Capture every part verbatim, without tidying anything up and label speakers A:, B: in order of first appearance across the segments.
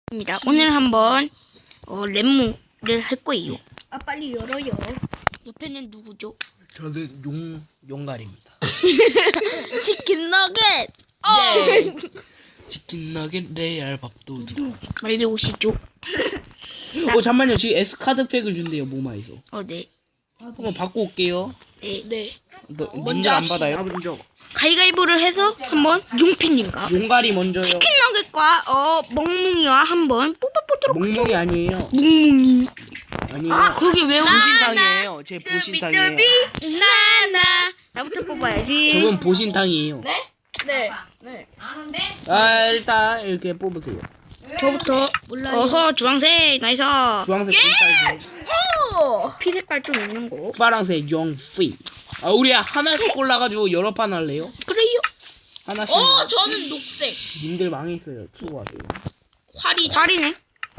A: 입니다. 오늘 한번 어, 랩무를 할 거예요.
B: 아 빨리 열어요.
A: 옆에는 누구죠?
C: 저는 용 용갈입니다.
A: 치킨 너겟.
C: 예. 치킨 너겟 레알 밥도둑.
A: 빨리 오시죠.
C: 어 잠만요. 지금 S 카드 팩을 준대요 모마에서.
A: 어, 네.
C: 한번 받고 올게요.
A: 네.
B: 네.
C: 너,
B: 먼저
C: 님들 안
B: 합시다.
C: 받아요? 먼저.
A: 가위가위보를 해서 한번 용핀님과
C: 용갈이 먼저요.
A: 치킨 너겟과 어 멍뭉이와 한번 뽑아보도록.
C: 몽몽이 아니에요.
A: 뭉뭉이.
C: 아니에요.
A: 아, 거기 왜 오신?
C: 보신탕이에요. 제 보신탕이에요.
A: 나나. 나부터 뽑아야지.
C: 저건 보신탕이에요.
B: 네. 네. 네.
C: 아 일단 이렇게 뽑으세요.
A: 저부터.
B: 몰라요.
A: 어허, 주황색. 나이스.
C: 주황색 펜타이즈,
B: 오.
A: 피 색깔 좀 있는 거.
C: 파란색 용피. 아 우리 하나씩 골라가지고 여러 판 할래요?
A: 그래요.
C: 하나씩.
B: 어 저는 녹색.
C: 님들 망했어요. 수고하세요.
B: 활이
A: 활이네.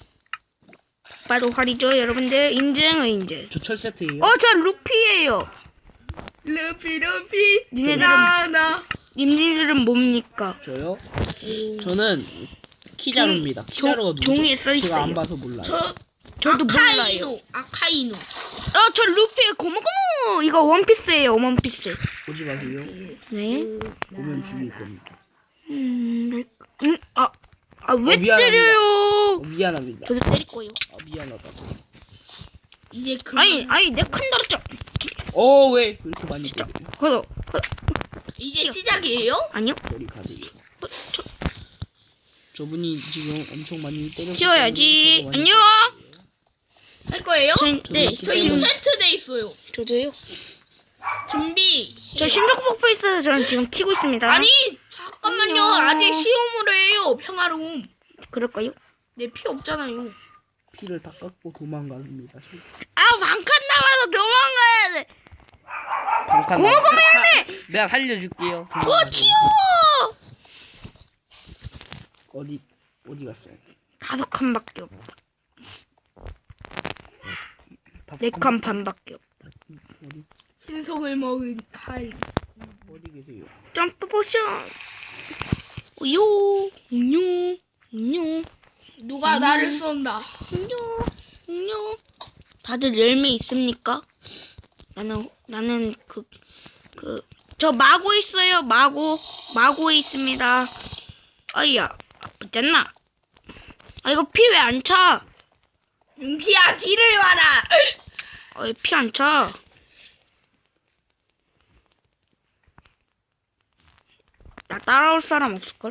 A: 봐도 활이죠, 여러분들. 인증은 인증.
C: 저 철 세트예요.
A: 어, 저 루피예요.
B: 루피 루피
A: 니네들은
B: 나나.
A: 님들은 뭡니까?
C: 저요? 저는 키자루입니다. 키자루가 누구죠?
A: 종이에 써 있어요.
C: 제가 안 봐서 몰라요.
B: 저
A: 저도 몰라요.
B: 아카이누. 아카이누.
A: 어, 저 루피 고무고무. 이거 원피스예요, 원피스.
C: 보지 마세요.
A: 네.
C: 보면 죽일 겁니다.
A: 음, 네. 음, 아, 아, 왜
C: 어, 미안합니다.
A: 때려요?
C: 어, 미안합니다.
A: 저도 때릴 거예요.
C: 아, 미안하다.
B: 이제 그
A: 아니, 아니, 내 칸 달았죠.
C: 어, 왜 그렇게 많이 때려요?
A: 그래서,
B: 이제 시작이에요?
A: 아니요.
C: 머리 가세요. 저분이 지금 엄청 많이 때렸어요.
A: 치워야지. 안녕.
B: 할 거예요?
A: 전, 네,
B: 저
C: 지금-
B: 인챈트 돼 있어요.
A: 저도요.
B: 준비.
A: 저 신속 폭포 있어서 저는 지금 키고 있습니다.
B: 아니 잠깐만요.
A: 안녕.
B: 아직 시험으로 해요. 평화로움.
A: 그럴까요?
B: 내 피 없잖아요.
C: 피를 다 깎고 도망갑니다.
A: 아, 반칸 남아서 도망가야 돼.
C: 잠깐.
A: 고마고마
C: 내가 살려줄게요.
A: 어, 치워.
C: 어디 어디 갔어요?
A: 다섯 칸밖에 없다.
C: 다섯
A: 네
C: 칸-
A: 칸 반밖에 없다.
C: 어디
B: 신성을 먹은 할.
C: 어디 계세요?
A: 점프 포션. 우요, 우요, 우요,
B: 누가 나를 쏜다.
A: 우요, 우요. 다들 열매 있습니까? 나는 나는 그 그 저 마고 있어요. 마고 마고에 있습니다. 아이야, 아프잖아. 아, 이거 피 왜 안 차?
B: 윤피야 뒤를 봐라.
A: 어, 피 안 차. 나 따라올 사람 없을걸?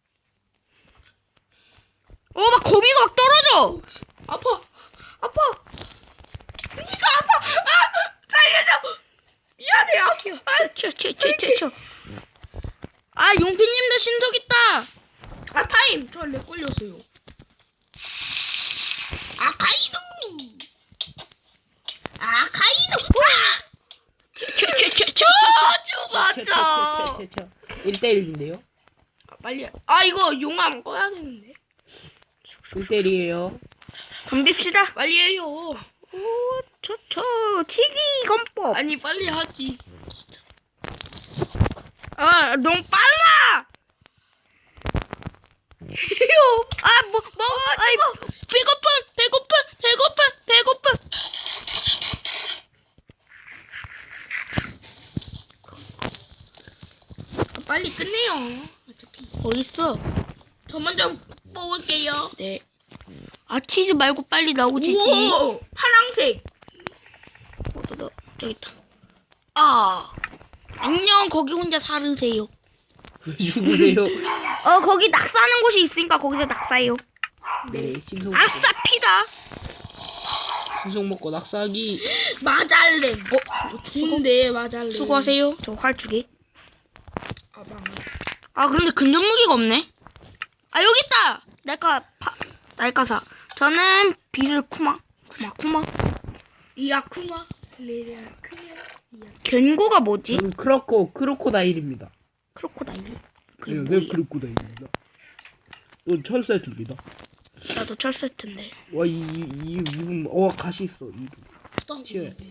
A: 어, 막 거미가 막 떨어져!
B: 아파. 아파. 윤피가 아파. 아 살려줘. 미안해요. 아,
A: 튀어, 튀어, 튀어, 튀어, 튀어. 아, 용피님도 신속 있다!
B: 아 타임. 저렉 걸렸어요. 아카이누. 아카이누. 아!
A: 튀어, 튀어, 튀어, 튀어, 튀어.
B: 아 죽었죠.
C: 일 대 일인데요?
B: 아, 빨리. 아 이거 용암 꺼야겠는데.
C: 일 대 일이에요.
A: 덤빕시다.
B: 빨리 해요.
A: 오, 저, 저, 튀기 건법.
B: 아니 빨리 하지.
A: 아, 너무 빨라! 아, 뭐, 뭐, 아이, 배고픈, 배고픈, 배고픈, 배고픈.
B: 아, 빨리 끝내요. 어차피.
A: 어딨어?
B: 저 먼저 뽑을게요.
A: 네. 아, 치즈 말고 빨리 나오지지.
B: 오 파랑색.
A: 어, 너, 너, 저기 있다. 아, 안녕, 거기 혼자 살으세요.
C: 왜 죽으세요?
A: 어, 거기 낙사하는 곳이 있으니까 거기서 낙사해요.
C: 네, 신속
A: 아싸, 피다.
C: 신속 먹고 낙사하기.
B: 마잘렌. 어 좋은데 마잘렌.
A: 수고하세요. 저 활 두 개.
B: 아 망.
A: 아, 그런데 근접 무기가 없네. 아, 여기 있다. 날까 파, 날까사. 저는 비를 쿠마, 쿠마, 쿠마.
B: 이아쿠마. 레아쿠마.
A: 견고가 뭐지?
C: 저는 크로코 크로코다일입니다.
A: 크로코다일. 그게
C: 네,
A: 뭐야?
C: 네 크로코다일입니다. 이건 철 세트입니다.
A: 나도 철 세트인데.
C: 와, 이, 이, 이, 이분, 어, 가시 있어. 이, 튀어야 돼.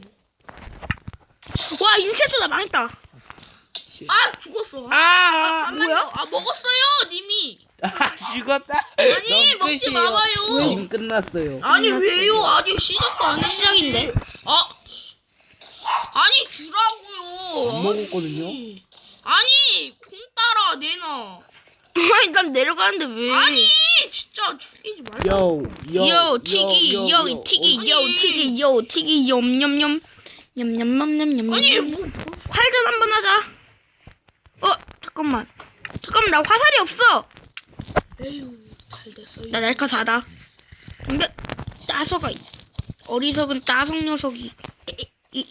A: 와, 인체도 나 망했다.
C: 튀어.
B: 아 죽었어.
C: 아,
B: 잠깐만요.
A: 뭐야?
B: 아 먹었어요 님이.
C: 아 죽었다.
B: 아니,
C: 너무
B: 먹지
C: 끝이에요.
B: 마봐요.
C: 지금 끝났어요.
B: 아니 왜요? 아직 시작도 안 했는데.
A: 시작인데?
B: 아, 아니
C: 안
B: 주라고요.
C: 먹었거든요.
B: 아니 콩 따라 내놔.
A: 아니 난 내려가는데 왜?
B: 아니 진짜 죽이지 말라.
C: 요, 요,
A: 요 튀기
C: 요,
A: 요
C: 요.
A: 튀기 요
B: 아니.
A: 튀기 요 튀기 염염염 염염염염염.
B: 아니 뭐
A: 활전 한번 하자. 어 잠깐만 잠깐만 나 화살이 없어.
B: 에휴 잘 됐어요.
A: 나 날카 사다. 근데 따서가 있- 어리석은 따석 녀석이 이,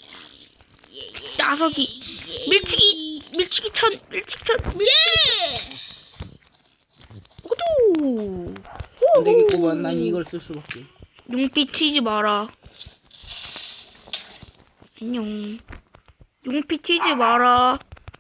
A: 따석이 밀치기 밀치기 천 밀치기 천 밀치기 오도
C: 안 되겠구만. 난 이걸 쓸 수밖에.
A: 용피 튀지 마라. 안녕. 용피 튀지 마라.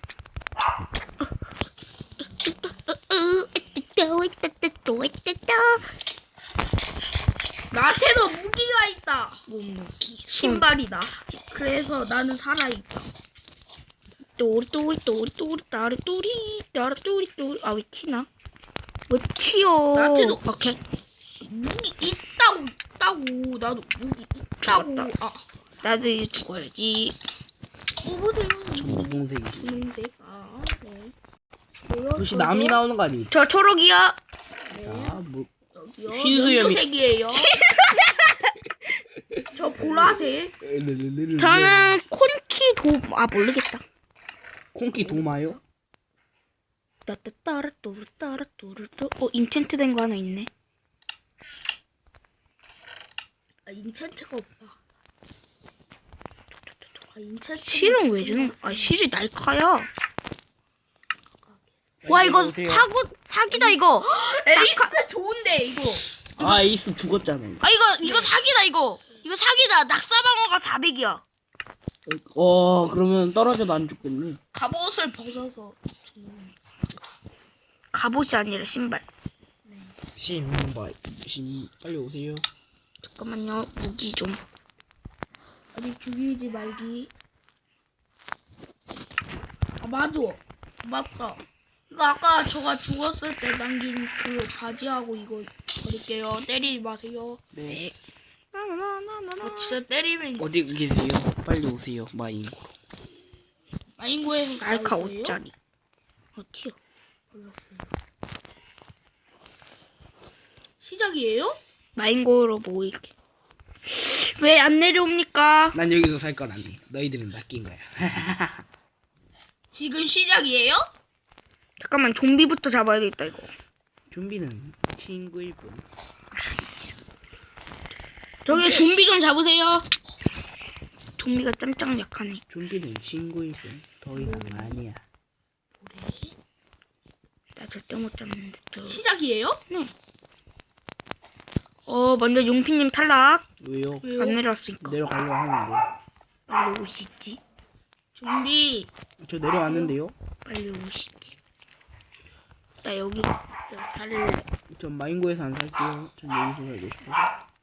B: 나한테도 무기가 있다.
A: 몸무기
B: 신발이다. 그래서 나는 살아있다.
A: 또리 또리 또리 또리 따리 또리 따리 또리 또리 아 왜 튀나? 왜 튀어?
B: 나한테도
A: 오케이.
B: 무기 있다고 있다고. 나도 무기 있다고.
A: 죽었다.
B: 아
A: 나도 이제 죽어야지.
B: 뽑으세요.
C: 분홍색이.
B: 분홍색. 아 네.
C: 혹시 남이 나오는 거 아니에요?
A: 저 초록이야.
C: 자, 뭐
B: 여기요.
C: 흰수염이-
B: 연두색이에요. 저 보라색.
A: 저는 콘키 도 아 모르겠다.
C: 콩키 도마요?
A: 따따따라 또르 따라 또르 또어 인챈트 된 거 하나 있네.
B: 아 인챈트가 없다. 아 인챈트.
A: 실은 왜 주는? 아 실이 날카야. 와 이거
C: 오세요.
A: 사고 사기다 이거.
B: 에이스 좋은데 이거.
C: 아 에이스 죽었잖아요.
A: 아 이거 이거 사기다 이거. 이거 사기다. 낙사방어가 사백이야.
C: 어 그러면 떨어져도 안 죽겠네.
B: 갑옷을 벗어서 주는.
A: 갑옷이 아니라 신발.
C: 신발 신 빨리 오세요.
A: 잠깐만요. 무기 좀.
B: 아직 죽이지 말기. 아 맞아. 맞다. 이거 아까 저가 죽었을 때 남긴 그 바지하고 이거 버릴게요. 때리지 마세요.
C: 네.
B: 아 진짜 때리면
C: 어디 계세요? 빨리 오세요. 마인.
B: 마인고에서
A: 날카
B: 싸울 거예요?
A: 오짜리. 어디요?
B: 시작이에요?
A: 마인고로 모일게. 왜 안 내려옵니까?
C: 난 여기서 살 건 아니. 너희들은 낚인 거야.
B: 지금 시작이에요?
A: 잠깐만 좀비부터 잡아야겠다 이거.
C: 좀비는 친구일 뿐.
A: 저기 좀비 좀 잡으세요. 좀비가 짱짱 약하네.
C: 좀비는 친구일 뿐. 더 이상 아니야.
A: 나 절대 못 잡는데. 저...
B: 시작이에요?
A: 네. 어 먼저 용피님 탈락.
C: 왜요?
B: 왜요?
A: 안 내려왔으니까.
C: 내려가려고 하는데.
A: 빨리 오시지.
B: 좀비.
C: 저 내려왔는데요.
A: 빨리 오시지. 나 여기 있어. 살을.
C: 전 마인고에서 안 살게요. 전 여기서 살고 싶어서.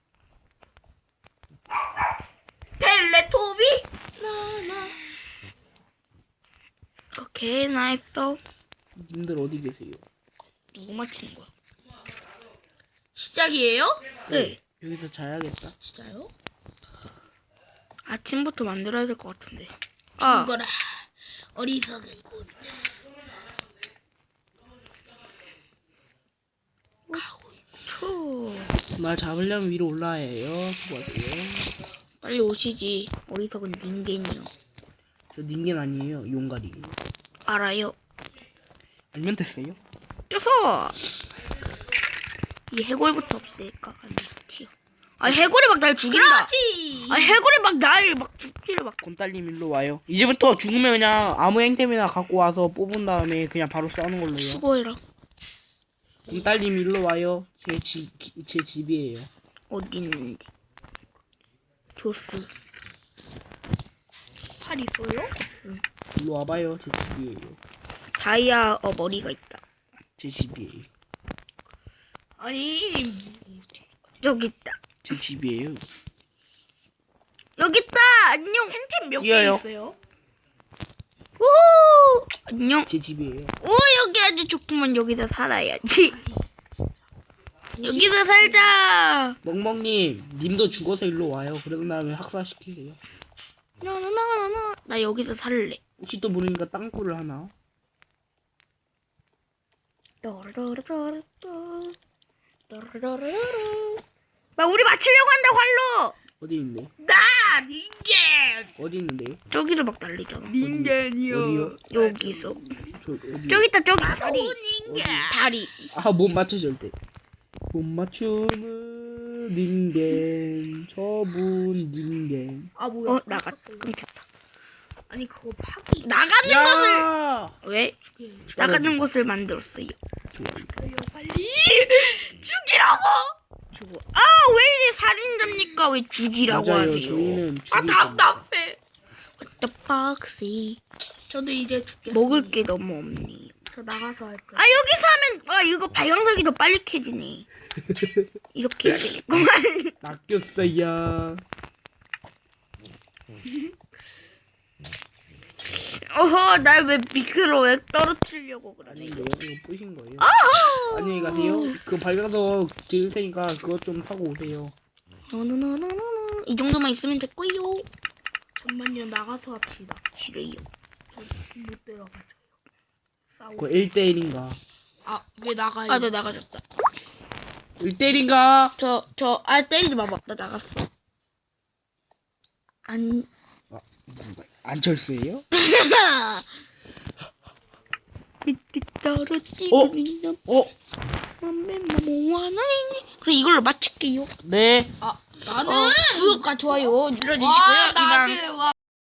B: 텔레토비? 나나.
A: 오케이 나이스.
C: 님들 어디 계세요?
A: 누구 맞히는 거야?
B: 시작이에요?
A: 네.
C: 여기서 자야겠다.
B: 진짜요?
A: 아침부터 만들어야 될 것 같은데. 아.
B: 이거라. 어리석은 군.
A: 초.
C: 날 잡으려면 위로 올라야 해요. 수고하세요.
A: 빨리 오시지. 어리석은 닌겐이요.
C: 저 닌겐 아니에요. 용가리.
A: 알아요.
C: 알면 됐어요?
A: 쪄서 이 해골부터 없앨까? 아니 튀어. 아 해골이 막 날 죽인다.
B: 그렇지.
A: 아 해골이 막 날 막 죽기를 막.
C: 곰딸님 일로 와요. 이제부터 죽으면 그냥 아무 행템이나 갖고 와서 뽑은 다음에 그냥 바로 싸우는 걸로요.
A: 수고해라.
C: 곰딸님 일로 와요. 제 집, 제 집이에요.
A: 어디 있는데? 조스.
B: 팔 있어요?
A: 없음.
C: 일로 와봐요. 제 집이에요.
A: 다이아 어 머리가 있다.
C: 제 집이에요.
B: 아니
A: 여기 있다.
C: 제 집이에요.
A: 여기 있다. 안녕.
B: 템 몇 개
C: 뛰어요.
B: 있어요?
A: 우후. 어? 안녕.
C: 제 집이에요.
A: 오 여기 아주 좋구만. 여기서 살아야지. 여기서 살자.
C: 멍멍님, 님도 죽어서 일로 와요. 그런 다음에 학살시키세요.
A: 나나나나나. 나 여기서 살래.
C: 혹시 또 모르니까 땅굴을 하나?
A: 또르르르르르. 또르르르르르. 막 우리 맞추려고 한다 활로.
C: 어디 있는데?
B: 나 닌겐.
C: 어디 있는데?
A: 저기서 막 날리잖아.
B: 닌겐이요.
C: 어디요?
A: 여기서.
C: 저 어디?
A: 저기 있다 저기.
B: 오
A: 다리.
B: 닌겐.
A: 다리.
C: 아, 못 맞춰 절대. 못 맞추는 닌겐, 저분 닌겐.
B: 아 뭐야?
A: 어 나가.
B: 갇혔어요.
A: 끊겼다.
B: 아니 그거 파기.
A: 나가는 것을
C: 야!
A: 왜
B: 죽여요.
A: 나가는 것을 만들었어요.
B: 죽여요 빨리.
A: 죽이라고. 죽어. 아 왜 이래 살인자입니까? 왜 죽이라고
C: 맞아요.
A: 하세요?
C: 저희는
B: 아
C: 죽일 겁니다.
B: 답답해.
A: What the fuck지?
B: 저도 이제 죽겠어요.
A: 먹을 게 너무 없네.
B: 저 나가서 할 거예요.
A: 아 여기서 하면 아 이거 발광석이 더 빨리 캐지네. 이렇게 해야 되겠구만.
C: 낚였어요.
A: 어허 날 왜 밑으로 왜 떨어뜨리려고 그러네.
C: 아닌데요? 이거 뿌신 거예요.
A: 아하.
C: 안녕히 가세요. 그 발광석 드릴 테니까 그것 좀 타고 오세요.
A: 노노노노노노. 이 정도만 있으면 됐고요.
B: 잠만요 나가서 합시다.
A: 싫어요.
B: 못 들어가죠. 싸우.
C: 그 일 대 일인가?
B: 아왜 나가요?
A: 아 나 나가졌다.
C: 일 대 일인가?
A: 저 저 아 때리지 마봐. 나 나갔어. 안.
C: 안철수예요?
A: 밑에 떨어지는
C: 어?
A: 그래 이걸로 마칠게요.
C: 네.
B: 아 나는
A: 어, 구독과 좋아요 눌러주시고요.
B: 와
A: 이방
B: 나는 와